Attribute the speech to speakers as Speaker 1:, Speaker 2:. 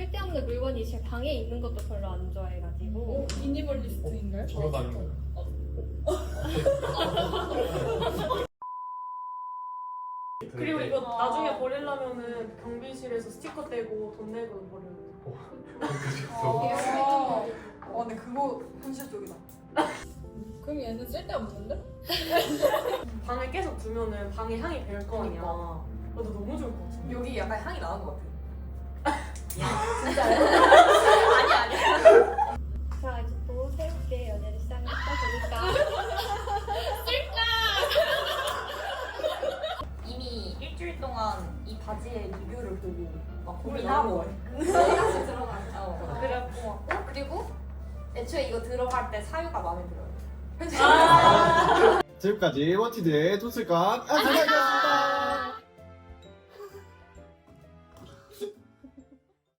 Speaker 1: 쓸데없는 물건이 제 방에 있는 것도 별로 안 좋아해가지고.
Speaker 2: 미니멀리스트인가요?
Speaker 3: 저러 다니는 거예요.
Speaker 4: 그리고 이거 나중에 버리려면은 경비실에서 스티커 떼고 돈 내고 버려요.
Speaker 5: 근데 그거 현실적이다.
Speaker 2: 그럼 얘는 쓸데없는데?
Speaker 4: 방에 계속 두면은 방에 향이 별 거 아니야. 나도 너무 좋을 것 같아.
Speaker 5: 여기 약간 향이 나는 것 같아.
Speaker 1: 자, 이제 또 새롭게 연애를 시작했다 보니까.
Speaker 6: 이미 일주일 동안 이 바지의 리뷰를 보고 막 고민하고
Speaker 5: 다시 들어가죠.
Speaker 6: 그래갖고 그리고 애초에 이거 들어갈 때 사유가 마음에 들어요.
Speaker 3: 지금까지 원티드의 도슬각 안녕하셨습니다.